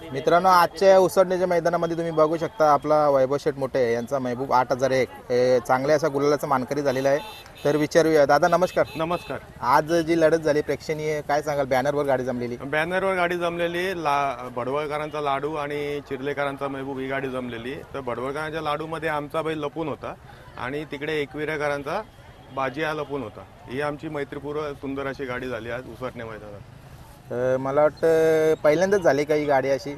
मित्रांनो, आजच्या उसडण्याच्या मैदानामध्ये तुम्ही बघू शकता आपला वैभव शेठ मोठे यांचा महबूब 8001 हे चांगल्या असा गुलालाचा मानकरी झालेला आहे. तर विचारूया दादा, नमस्कार. नमस्कार. आज जी लढत झाली प्रेक्षणीय, काय सांगाल? बॅनरवर गाडी जमलेली. बॅनरवर गाडी जमलेली, भडवळकरांचा लाडू आणि चिर्लेकरांचा महबूब ही गाडी जमलेली. तर भडवळकरांच्या लाडूमध्ये आमचा बैल लपून होता आणि तिकडे एकविरेकरांचा बाजी हा लपून होता. ही आमची मैत्रीपूर्व सुंदर अशी गाडी झाली आज उसटण्या मैदानात. मला वाटतं पहिल्यांदाच झाली का ही गाडी अशी?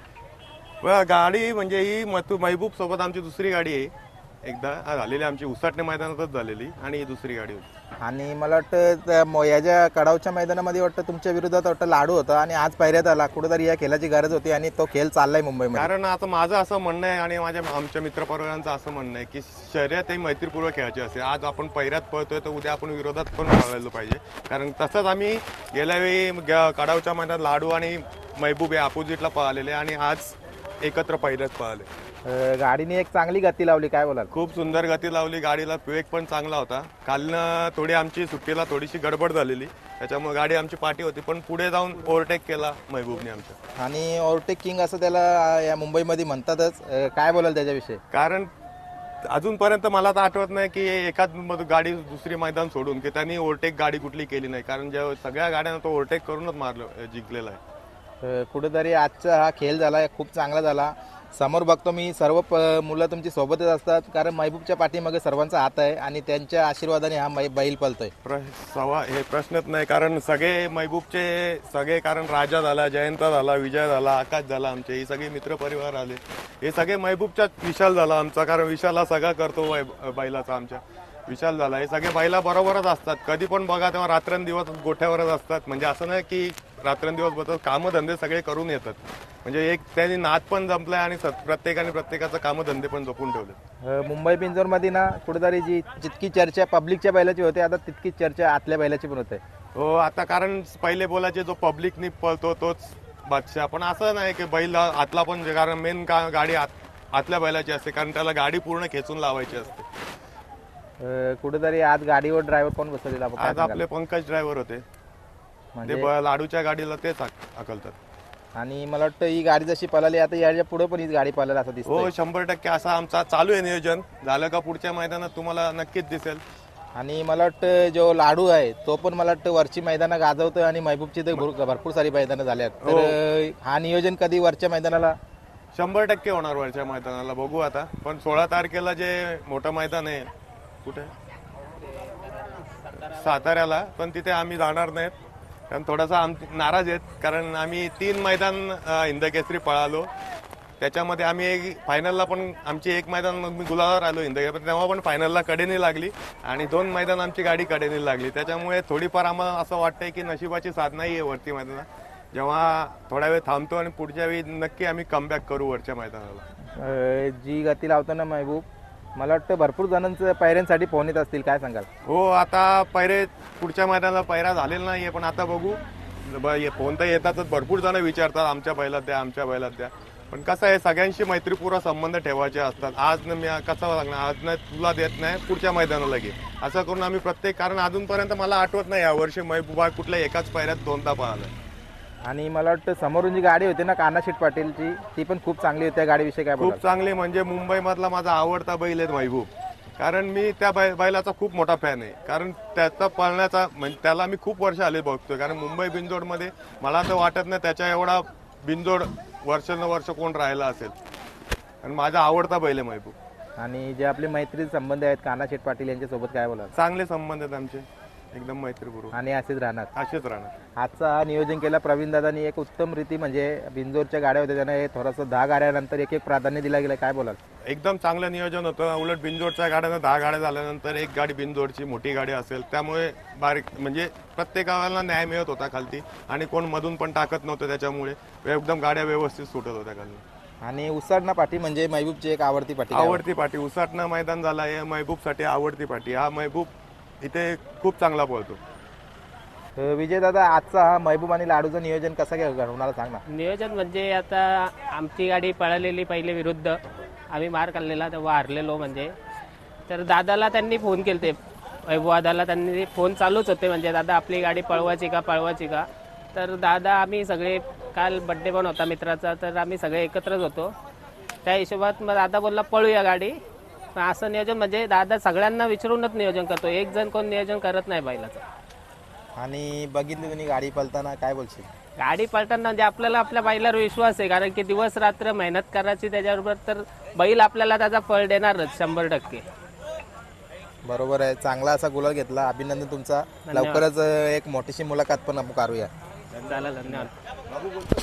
गाडी म्हणजे ही महबूब सोबत आमची दुसरी गाडी आहे. एकदा झालेली आमची उसटण्या मैदानातच झालेली आणि ही दुसरी गाडी होती. आणि मला वाटतं याच्या कडावच्या मैदानामध्ये वाटतं तुमच्या विरोधात वाटतं लाडू होता आणि आज पायऱ्यात आला. कुठेतरी या खेळाची गरज होती आणि तो खेळ चाललाय मुंबईमध्ये. कारण आता माझं असं म्हणणं आहे आणि आमच्या मित्रपरिवारांचं असं म्हणणं आहे की शर्यत ही मैत्रीपूर्वक खेळायची असते. आज आपण पैऱ्यात पळतोय तर उद्या आपण विरोधात पण पळायला पाहिजे. कारण तसंच आम्ही गेल्या वेळी कडावच्या मैदानात लाडू आणि महबूब हे अपोजिटला पळालेले आणि आज एकत्र पैऱ्यात पळाले. गाडीने एक चांगली गती लावली, काय बोलाल? खूप सुंदर गती लावली. गाडीला वेग पण चांगला होता. कालनं थोडी आमची सुट्टीला थोडीशी गडबड झालेली, त्याच्यामुळे गाडी आमची पाठी होती, पण पुढे जाऊन ओव्हरटेक केला महबूबने आमच्या. आणि ओव्हरटेक किंग असं त्याला या मुंबईमध्ये म्हणतातच. काय बोलाल त्याच्याविषयी? कारण अजूनपर्यंत मला तर आठवत नाही की एकाच गाडी दुसरी मैदान सोडून की त्यांनी ओव्हरटेक गाडी कुठली केली नाही. कारण जेव्हा सगळ्या गाड्यांना तो ओव्हरटेक करूनच जिंकलेला आहे. कुठेतरी आजचा हा खेळ झाला, खूप चांगला झाला. समोर बघतो मी सर्व मुलं तुमची सोबतच असतात, कारण महबूबच्या पाठीमागे सर्वांचा हात आहे आणि त्यांच्या आशीर्वादाने हा बैल पळतोय. हे प्रश्नच नाही. कारण सगळे महबूबचे सगळे, कारण राजा झाला, जयंता झाला, विजय झाला, आकाश झाला, आमचे ही सगळे मित्रपरिवार आले. हे सगळे महबूबच्या. विशाल झाला आमचा, कारण विशाल हा सगळा करतो बैलाचा आमच्या. विशाल झाला, हे सगळे बैला बरोबरच असतात. कधी पण बघा तेव्हा रात्रंदिवस गोठ्यावरच असतात. म्हणजे असं नाही की रात्रंदिवस बसतात, कामधंदे सगळे करून येतात. म्हणजे एक त्यांनी नाद पण जमलाय आणि प्रत्येकाने प्रत्येकाचं कामधंदे पण जपून ठेवले. मुंबई पिंजोरमध्ये ना कुठेतरी जितकी चर्चा पब्लिकच्या बैलाची होते, आता तितकीच चर्चा आतल्या बैलाची पण होते. हो, आता कारण पहिले बोलायचे जो पब्लिकनी पळतो तोच बादशाह. पण असं नाही की बैल आतला पण, कारण मेन गाडी आतल्या बैलाची असते, कारण त्याला गाडी पूर्ण खेचून लावायची असते. कुठेतरी आज गाडीवर ड्रायव्हर कोण बसवलेला? आज आपले पंकज ड्रायव्हर होते. म्हणजे लाडूच्या गाडीला तेच हाकलतात. आणि मला वाटतं ही गाडी जशी पळाली, आता याच्या पुढे पण ही गाडी पळायला असं दिसतं. हो, 100% असा आमचा चालू आहे नियोजन. झालं का पुढच्या मैदानात तुम्हाला नक्कीच दिसेल. आणि मला वाटतं जो लाडू आहे तो पण मला वाटतं वरची मैदानं गाजवतोय आणि महबूबची तर भरपूर सारी मैदानं झाल्यात. तर हा नियोजन कधी वरच्या मैदानाला? 100% होणार वरच्या मैदानाला. बघू आता. पण 16 तारखेला जे मोठं मैदान आहे, कुठे? साताऱ्याला. पण तिथे आम्ही जाणार नाहीत, कारण थोडासा नाराज आहेत. कारण आम्ही 3 मैदान हिंदकेसरी पळालो, त्याच्यामध्ये आम्ही फायनलला पण आमची एक मैदान मग मी गुलाबावर आलो हिंदकेसरी, तेव्हा पण फायनलला कडेनी लागली आणि 2 मैदान आमची गाडी कडेनी लागली. त्याच्यामुळे थोडीफार आम्हाला असं वाटतंय की नशिबाची साथ नाही आहे वरती मैदानात. जेव्हा थोडा वेळ थांबतो आणि पुढच्या वेळी नक्की आम्ही कमबॅक करू वरच्या मैदानाला. जी गती लावताना महबूब, मला वाटतं भरपूर जणांचं पायऱ्यांसाठी फोन येत असतील, काय सांगाल? हो, आता पैरे पुढच्या मैदानाला पैरा झालेला नाहीये, पण आता बघू. फोन तर येतातच, भरपूर जण विचारतात आमच्या बैलात द्या, आमच्या बैलात द्या. पण कसं आहे, सगळ्यांशी मैत्रीपूर्ण संबंध ठेवायचे असतात. आज मी कसं सांगणार, आज नाही तुला देत नाही, पुढच्या मैदानाला घे, असं करून आम्ही कारण अजूनपर्यंत मला आठवत नाही यावर्षी महबूबा कुठल्या एकाच पैऱ्यात 2दा पळाला. आणि मला वाटतं समोरून जी गाडी होती ना कानाशेठ पाटीलची, ती पण खूप चांगली होती. त्या गाडीविषयी काय? खूप चांगली. म्हणजे मुंबईमधला माझा आवडता बैल आहे महबूब. कारण मी त्या बैलाचा खूप मोठा फॅन आहे. कारण त्याचा पळण्याचा म्हणजे त्याला मी खूप वर्ष आले बघतोय. कारण मुंबई बिनजोडमध्ये मला तर वाटत नाही त्याच्या एवढा बिनजोड वर्ष कोण राहिला असेल. आणि माझा आवडता बैल आहे महबूब. आणि जे आपले मैत्रीचे संबंध आहेत कानाशेठ पाटील यांच्यासोबत, काय बोलाल? चांगले संबंध आहेत आमचे, एकदम मैत्रीपूर्वक. आणि असेच राहणार. आजचा हा नियोजन केला प्रवीण दादांनी एक उत्तम रीती. म्हणजे बिंजोरच्या गाड्या होत्या, त्यांना थोडंसं 10 गाड्यानंतर एक प्राधान्य दिला गेलं, काय बोलाल? एकदम चांगलं नियोजन होतं. उलट बिंजोडच्या गाड्यांना 10 गाड्या झाल्यानंतर एक गाडी बिंजोडची मोठी गाडी असेल, त्यामुळे बारीक म्हणजे प्रत्येकाला न्याय मिळत होता खालती आणि कोण मधून पण टाकत नव्हतं. त्याच्यामुळे एकदम गाड्या व्यवस्थित सुटत होत्या खाली. आणि उसाटणा पाठी म्हणजे महबूबची एक आवडती पाठी उसाटणा मैदान झाला आहे महबूबसाठी आवडती पाठी. हा महबूब इथे खूप चांगला पळतो. विजय दादा, आजचा हा महबूब आणि लाडूचं नियोजन कसं काय होणार सांग ना? नियोजन म्हणजे आता आमची गाडी पळालेली पहिले विरुद्ध, आम्ही मार खाल्लेला तेव्हा हारलेलो. म्हणजे तर दादाला त्यांनी फोन केले, वैभव दादाला त्यांनी फोन चालूच होते, म्हणजे दादा आपली गाडी पळवायची का. तर दादा आम्ही सगळे काल बड्डे पण होता मित्राचा, तर आम्ही सगळे एकत्रच होतो. त्या हिशोबात मग दादा बोलला पळूया गाडी. पण असं नियोजन म्हणजे दादा सगळ्यांना विचारूनच नियोजन करतो, एक जण कोण नियोजन करत नाही बैलाचं. आणि बघितली तुम्ही गाडी पळताना, काय बोलशील? गाडी पळताना म्हणजे आपल्याला आपल्या बैलावर विश्वास आहे, कारण की दिवस रात्र मेहनत करायची त्याच्याबरोबर, तर बैल आपल्याला त्याचा फळ देणारच 100%. बरोबर आहे, चांगला असा गुलाल घेतला, अभिनंदन तुमचा. लवकरच एक मोठीशी मुलाखत पण आपण करूया. झालं, धन्यवाद.